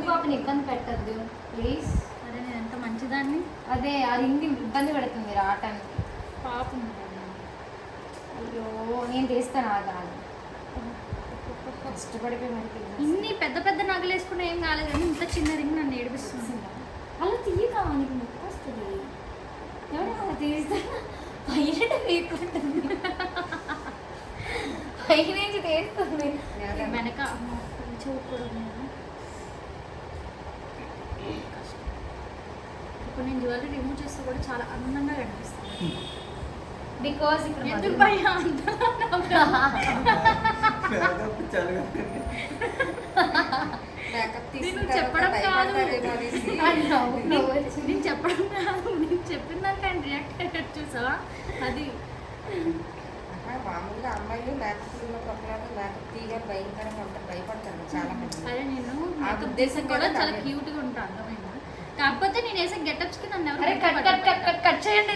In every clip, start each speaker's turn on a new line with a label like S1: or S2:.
S1: పాపని ఇబ్బంది పెట్టద్దు ప్లీజ్.
S2: అదే నేను ఎంత మంచిదాన్ని.
S1: అదే అది ఇన్ని ఇబ్బంది పెడుతుంది రావటానికి.
S2: పాపం.
S1: అయ్యో నేను తీస్తాను ఆగాను. కష్టపడిపోయి మనకి
S2: ఇన్ని పెద్ద పెద్ద నగలు వేసుకున్నా ఏం కాలేదు కానీ ఇంత చిన్న రింగ్ నన్ను ఏడిపిస్తుంది.
S1: అలా తీయగా నీకు నొప్పి వస్తుంది. ఎవరు అలా తీస్తా పైన తీయకుంటుంది పై నుంచి తీస్తుంది
S2: వెనక చూడకూడదు. కష్టం. ఇప్పుడు నేను జ్యువెలరీ రిమూవ్ చేస్తే కూడా చాలా అందంగా కనిపిస్తుంది.
S1: బికాస్ ఇప్పుడు
S2: ఎందుకు భయం నేను చెప్పడం కాదు, నేను చెప్పడం కాదు, నేను చెప్పిన దానికి ఆయన రియాక్ట్ అయ్యాడు చూసావా. అది
S3: మామూలుగా అమ్మాయిలు మేకప్ మేకప్ తీయగా భయంకరంగా ఉంటారు, భయపడతారు చాలా మంది.
S2: అదే నేను నాకు ఉద్దేశం కూడా చాలా క్యూట్ గా ఉంటాను అర్థమైందా. కాకపోతే నేను వేసే గెటప్స్ కి నన్ను ఎవరు
S1: కట్ చేయండి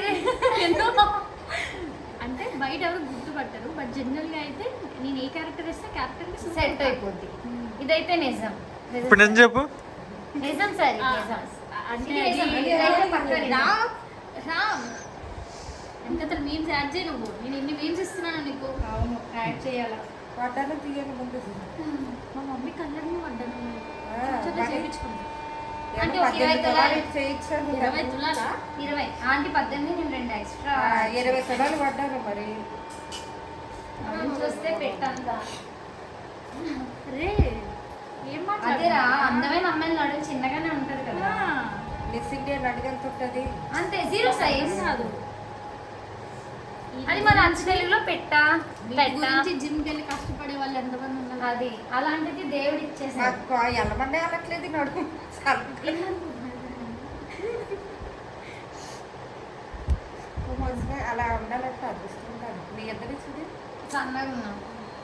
S2: అంటే బయట ఎవరు గుర్తుపట్టరు. బట్ జనరల్ గా అయితే నేను ఏ క్యారెక్టర్ వేస్తే క్యారెక్టర్ కి
S1: సెట్ అయిపోద్ది. ఇదైతే నిజం.
S4: ఇప్పుడు నేను చెప్పు.
S1: నిజం సార్ నిజం.
S2: అంటే
S1: ఇదైతే పక్కా నిజం.
S2: రామ్ ఎంత మీమ్స్ యాడ్ చేయ నువ్వు. నేను ఎన్ని మీమ్స్ ఇస్తున్నాను నీకు.
S1: అవును యాడ్ చేయాలా.
S3: పడ్డాను తీయని ముందు
S2: మా మమ్మీ కలర్ని పడ్డాను చేయించుకుంటా.
S1: అంటే 20 తులాలు
S3: చేయించాను.
S2: 20 తులాలా?
S1: 20 ఆంటీ 18 నేను 2 ఎక్స్ట్రా
S3: 20 తులాలు పడ్డాను మరి.
S1: చూస్తే పెట్టంతా
S2: రే ఏం
S1: అదేరా
S2: మాట్లాడుతున్నా?
S1: అందమైన అమ్మాయిల నడుము చిన్నగానే ఉంటది కదా.
S3: మిస్ ఇండియా అడిగంత ఉంటుంది
S1: అంతే జీరో సైజ్
S2: కాదు.
S1: అది మన అంచు తెలుగులో పెట్టా
S2: జిమ్ కి వెళ్ళి కష్టపడే వాళ్ళు ఎంతమంది ఉన్నారు.
S1: అది అలాంటిది దేవుడు ఇచ్చేసాడు.
S3: నాకు ఎల్లమండే వెళ్ళట్లేదు నడుము అలా ఉండాలంటే అదృష్టం. మీ ఇద్దరు చూడు
S1: సన్నగా ఉన్నాం.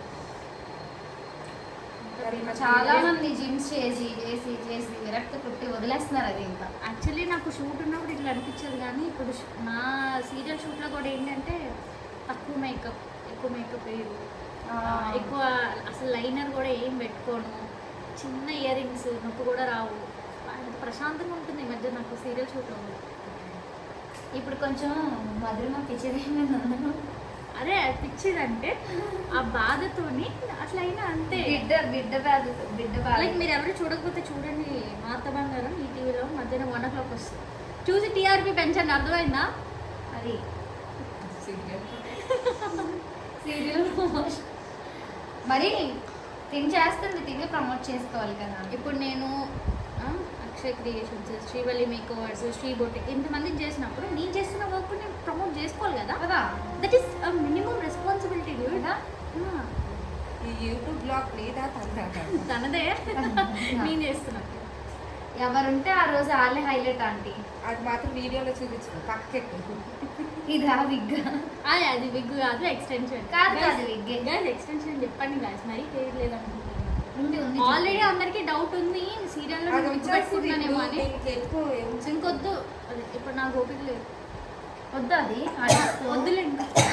S1: చాలా మంది జిమ్స్ చేసి చేసి చేసి విరక్తి పుట్టి వదిలేస్తున్నారు. అది ఇంకా
S2: యాక్చువల్లీ నాకు షూట్ ఉన్నప్పుడు ఇట్లా అనిపించేది కానీ ఇప్పుడు నా సీరియల్ షూట్లో కూడా ఏంటంటే తక్కువ మేకప్, ఎక్కువ మేకప్ వేయరు, ఎక్కువ అసలు లైనర్ కూడా ఏం పెట్టుకోను, చిన్న ఇయర్ రింగ్స్ నొప్పి కూడా రావు. అంత ప్రశాంతంగా ఉంటుంది ఈ మధ్య నాకు సీరియల్ షూట్లో.
S1: ఇప్పుడు కొంచెం మధురమ పిచ్చిది.
S2: అరే పిచ్చిదంటే ఆ బాధతోని అట్లా అయినా అంతే.
S1: బిడ్డ బాధ
S2: లైక్ మీరు ఎవరు చూడకపోతే చూడండి, మాత బంగారం ఈ టీవీలో మధ్యాహ్నం 1 o'clock వస్తుంది. చూసి టీఆర్పీ పెంచండి, అర్థమైందా.
S1: అది సీరియల్ మరి తిని చేస్తుంది, తిని ప్రమోట్ చేసుకోవాలి కదా.
S2: ఇప్పుడు నేను Akshay creations, Srivalli makeovers, Sri boutique ఇంతమందికి చేసినప్పుడు నేను చేస్తున్న వర్క్ నేను ప్రమోట్ చేసుకోవాలి కదా.
S1: కదా
S2: దట్ ఈస్ మినిమం రెస్పాన్సిబిలిటీ కదా.
S3: ఈ యూట్యూబ్ బ్లాగ్ లేదా
S2: తనదే నేను చేస్తున్నా.
S1: ఎవరుంటే ఆ రోజు వాళ్ళే హైలైట్ ఆంటీ.
S3: అది మాత్రం వీడియోలో చూపించు పక్కకి.
S1: ఇదా విగ్?
S2: అది విగ్ కాదు, ఎక్స్టెన్షన్
S1: కాదు విగ్.
S2: గైస్ ఎక్స్టెన్షన్ చెప్పండి గాయస్, మరీ పేరు లేదనుకుంటున్నాను.
S1: ఉంది
S2: ఆల్రెడీ అందరికి డౌట్ ఉంది సీరియల్లో పెట్టుకున్నానేమో అని. ఇంకొద్దు, అదే ఇప్పుడు నాకు ఓపిక లేదు.
S1: వద్దు అది
S2: వద్దులే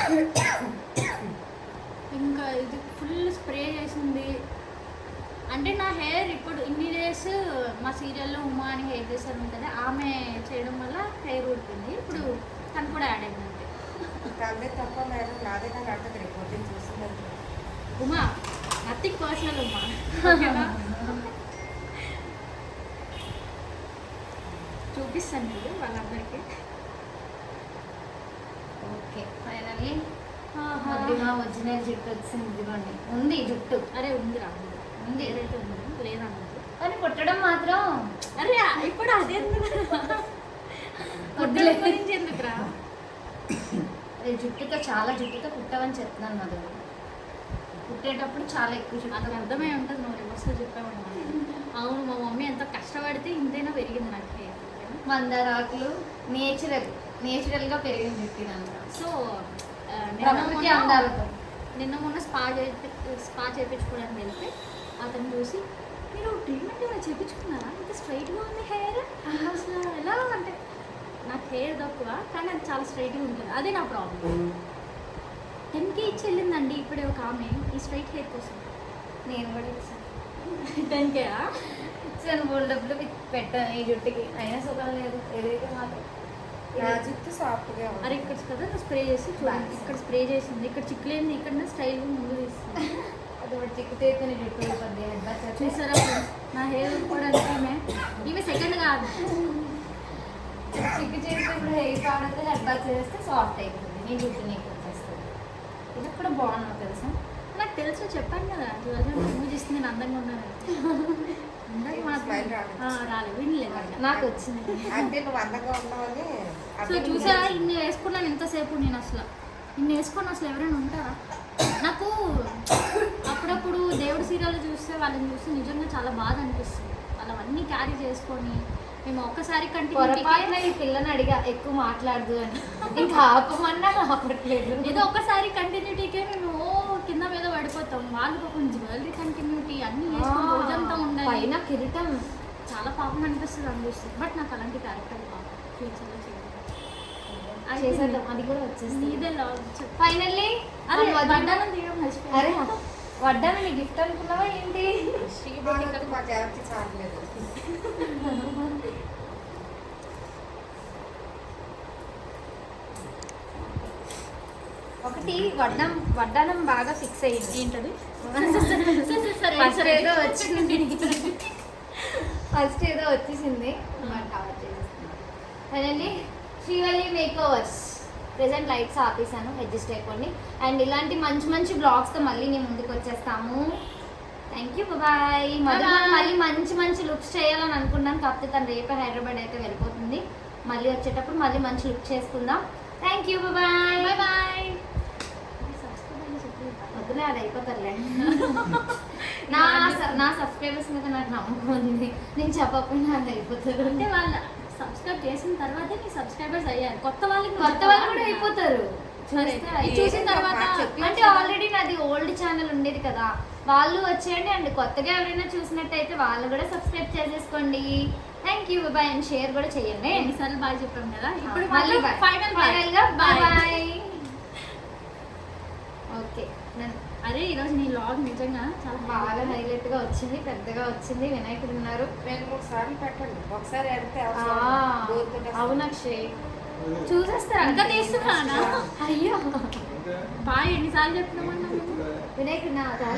S2: ఇంకా ఇది ఫుల్ స్ప్రే చేసింది. అంటే నా హెయిర్ ఇప్పుడు ఇన్ని డేస్ మా సీరియల్లో ఉమా అని హెయిర్ డ్రెస్సర్ ఉంటుంది, ఆమె చేయడం వల్ల హెయిర్ ఊడిపోయింది. ఇప్పుడు తను కూడా యాడ్ అయింది అంతే.
S3: తప్ప మేడం నాదే నాకు అంటది రిపోర్టింగ్ చూస్తుందంటే.
S2: Uma nothing personal Uma. చూపిస్తాను మీరు వాళ్ళందరికీ.
S1: ఓకే ఫైనల్లీ మధురిమ ఒరిజినల్ జుట్టు వచ్చింది. ఇదిగోండి ఉంది జుట్టు.
S2: అరే ఉందిరా,
S1: ఉంది
S2: ఏదైతే ఉందో లేదన్నది.
S1: కానీ పుట్టడం మాత్రం
S2: అరే ఇప్పుడు అదే
S1: వద్దులే.
S2: గురించి ఎందుకురా.
S1: అదే జుట్టుతో చాలా జుట్టుతో పుట్టవని చెప్తున్నాను మధు. పుట్టేటప్పుడు చాలా ఎక్కువ
S2: నాకు
S1: జుట్టు
S2: అర్థమై ఉంటుంది నువ్వు రివర్స్లో చెప్పామన్నా. అవును మా మమ్మీ ఎంత కష్టపడితే ఇంతైనా పెరిగింది నాకు హెయిర్.
S1: మందారాకులు నేచురల్గా పెరిగిన జుట్టు అంతా.
S2: సో
S1: ప్రకృతి అందాలతో
S2: నిన్న మొన్న స్పా చేయించుకోవడానికి వెళ్తే అతను చూసి మీరు ట్రీట్మెంట్ ఏమైనా చేయించుకున్నారా, ఇంత స్ట్రైట్గా ఉంది హెయిర్, అసలు ఎలా అంటే నాకు హెయిర్ తక్కువ కానీ అది చాలా స్ట్రైట్గా ఉంటుంది. అదే నా ప్రాబ్లం. 10K ఇచ్చి వెళ్ళిందండి ఇప్పుడే ఒక ఆమె ఈ స్ట్రైట్ హెయిర్ కోసం.
S1: నేను కూడా ఇచ్చాను.
S2: 10K
S1: ఇచ్చాను బోల్ డబ్బులు పెట్టాను ఈ జుట్టుకి అయినా సుఖం లేదు ఏదైతే మాత్రం
S3: నా జుట్టు సాఫ్ట్గా
S2: అరే ఇక్కడ కదా నువ్వు స్ప్రే చేసి చూడండి ఇక్కడ స్ప్రే చేసింది ఇక్కడ చిక్కులేంది ఇక్కడ స్టైల్ ముందు తీస్తుంది
S1: అది ఒకటి చిక్కుతేతో జుట్టు అయిపోద్ది హెడ్ బాత్ చేస్తే.
S2: చూసారా friends? నా హెయిర్ కూడా ఈమె సెకండ్ కాదు
S1: చిక్కు చేస్తే ఇప్పుడు హెయిర్ పాడితే హెడ్ బాత్ చేస్తే సాఫ్ట్ అయిపోతుంది నీ జుట్టు నీకు వచ్చేస్తుంది ఇది కూడా బాగున్నావు తెలుసా
S2: నాకు తెలుసు చెప్పాను కదా నువ్వు చేస్తే నేను అందంగా ఉన్నాను అందంగా
S3: Smile రాలేదు.
S2: రాలేదు వినలేదు
S1: నాకు వచ్చింది
S3: అంటే నువ్వు అందంగా ఉన్నావని
S2: సో
S3: అర్థం
S2: చూసారా
S3: కాదు.
S2: ఇన్ని వేసుకున్నాను ఇంతసేపు నేను అసలు ఇన్ని వేసుకొని అసలు ఎవరైనా ఉంటారా నాకు అప్పుడప్పుడు దేవుడి సీరియల్ చూస్తే వాళ్ళని చూస్తే నిజంగా చాలా బాధ అనిపిస్తుంది వాళ్ళవన్నీ క్యారీ చేసుకొని మేము ఒక్కసారి
S1: పొరపాటున
S2: కంటిన్యూ
S1: ఈ పిల్లని అడిగా ఎక్కువ మాట్లాడదు అని ఇంకా ఆపమన్నా ఆపట్లేదు
S2: ఏదో ఒక్కసారి కంటిన్యూటీకే మేము కింద మీద పడిపోతాం వాళ్ళు పాపం జ్యువెలరీ కంటిన్యూటీ అన్ని వేసుకొని రోజంతా ఉండాలి
S1: పైన కిరీటం
S2: చాలా పాపం అనిపిస్తుంది అనిపిస్తుంది బట్ నాకు అలాంటి క్యారెక్టర్ పాపం ఫ్యూచర్లో
S1: చేసేద్దాం అది కూడా వచ్చేస్తుంది
S2: నీదే
S1: ఫైనల్లీ
S2: అరే బండారం తీయడం మర్చిపోయాను.
S1: అరే వడ్డాను నీ గిఫ్ట్ అనుకున్నావా ఏంటి
S3: శ్రీమంతుడు మాకు ఎవరికి చాలలేదు
S1: ఒకటి వడ్డానం బాగా ఫిక్స్ అయ్యింది
S2: ఏంటది
S1: ఫస్ట్ ఏదో వచ్చింది ఫస్ట్ ఏదో వచ్చేసింది finally Srivalli makeovers present lights ఆపేసాను అడ్జస్ట్ అయిపోండి అండ్ ఇలాంటి మంచి మంచి బ్లాగ్స్తో మళ్ళీ నేను ముందుకు వచ్చేస్తాము థ్యాంక్ యూ బాయ్ మళ్ళీ మంచి మంచి లుక్స్ చేయాలని అనుకున్నాను కాకపోతే తను రేపే హైదరాబాద్ అయితే వెళ్ళిపోతుంది మళ్ళీ వచ్చేటప్పుడు మళ్ళీ మంచి లుక్ చేసుకుందాం thank you bye
S2: bye bye
S1: వద్దులే అది అయిపోతారులే నా సబ్స్క్రైబర్స్ మీద నాకు నమ్మకం ఉంది నేను చెప్పకపోయినా అది అయిపోతారు
S2: అంటే వాళ్ళు సబ్స్క్రైబ్ చేసిన తర్వాతే నీ సబ్స్క్రైబర్స్ అయ్యారు కొత్త వాళ్ళు
S1: కూడా అయిపోతారు
S2: సరే,
S1: చూస్తే
S2: ఇది చూసిన తర్వాత
S1: అంటే ఆల్రెడీ నాది ఓల్డ్ ఛానల్ ఉండేది కదా వాళ్ళు వచ్చేయండి అండ్ కొత్తగా ఎవరైనా చూసినట్టయితే వాళ్ళు కూడా సబ్స్క్రైబ్ చేసేసుకోండి thank you bye and share కూడా చేయండి
S2: ఎన్నిసార్లు బాగా చెప్పాం కదా ఇప్పుడు
S1: మళ్ళీ ఫైనల్ గా బాయ్ బాయ్ ఓకే
S2: అరే ఈరోజు నీ లాగ్ నిజంగా చాలా
S1: బాగా హైలైట్ గా వచ్చింది పెద్దగా వచ్చింది వినాయకుడు ఉన్నారు
S3: 2-3 సార్లు పెట్టండి ఒకసారి ఎడితే
S1: అవును అక్షయ్ చూసేస్తారు
S2: ఇంకా తీస్తున్నానా
S1: అయ్యో
S2: బాయ్ ఎన్నిసార్లు చెప్తున్నామన్నా
S1: వినాయకుడు